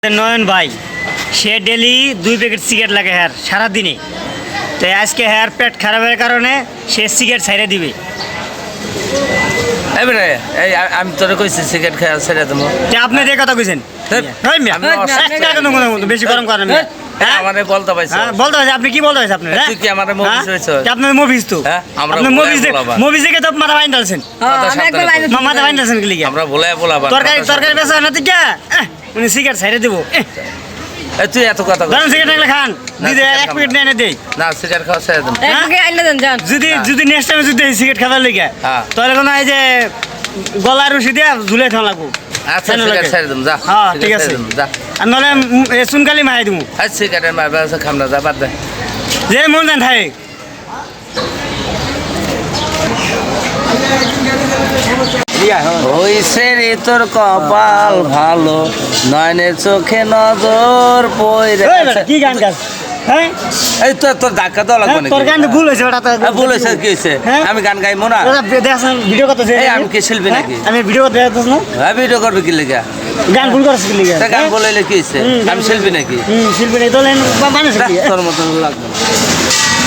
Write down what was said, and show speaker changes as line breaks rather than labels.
নয়ন ভাই সে daily 2 packet cigarette লাগে হ্যার সারাদিনে। তো আজকে হ্যার পেট খারাপের কারণে সে সিগারেট ছাইড়ে দিবে।
এবারে এই আমি তোরে কইছি সিগারেট খাওয়া ছেড়ে দেবো।
আপনি যে কথা কইছেন বেশি গরম করেন।
আমারে বলতে পাইছো
বলতে পারছি আপনি কি বলতে পারছেন? আপনার
তুই কি আমারে মুভিস হইছো?
আপনার মুভিস তো
আমরা
মুভিস দেখে তো মাথা বাইন ডালছেন, মাথা বাইন ডালছেন কি লিখে?
আমরা ভুলাই বলাবা
তরকারি বেচা না তো কে উনি সিগারেট ছাইড়ে দেবো।
তুই এত কথা
ধরেন সিগারেট লাগলে খান, দিদি 1 প্যাকেট নিয়ে দেই
না সিগারেট খাওয়া ছেড়ে দেবো।
যদি নেক্সট টাইমে যদি সিগারেট খাবার লেগে তাহলে কোনো এই যে গলার রশি দিয়ে ঝুলে থাকা লাগবো।
আচ্ছা সিগারেট ছেড়ে দেবো যা।
হ্যাঁ ঠিক আছে,
যা
আর নাহলে চুনকালি মারাই দেবো।
আচ্ছা সিগারেট মারবে খাম না, যা বাদ দে।
যে মন যান থাকে
হইছে রে তোর কপাল ভালো, নয়নের চোখে নজর পইরে।
কি গান গাছ? হ্যাঁ
এই তোর ধাক্কা দেওয়া লাগবে নাকি?
তোর গান ভুল হয়েছে ওটা তো
ভুল হয়েছে কি হয়েছে? আমি গান গাইবো না?
দেখছেন ভিডিও করতে
আমি কি শিল্পী নাকি?
আমি ভিডিও করতে দেখতেছ না?
হ্যাঁ ভিডিও করবে কি লেগে?
গান ভুল করছিস কি লিগে?
গান বলাইলে কি হয়েছে? আমি শিল্পী নাকি?
শিল্পী নেই তো মানুষ
তোর মতন লাগবে।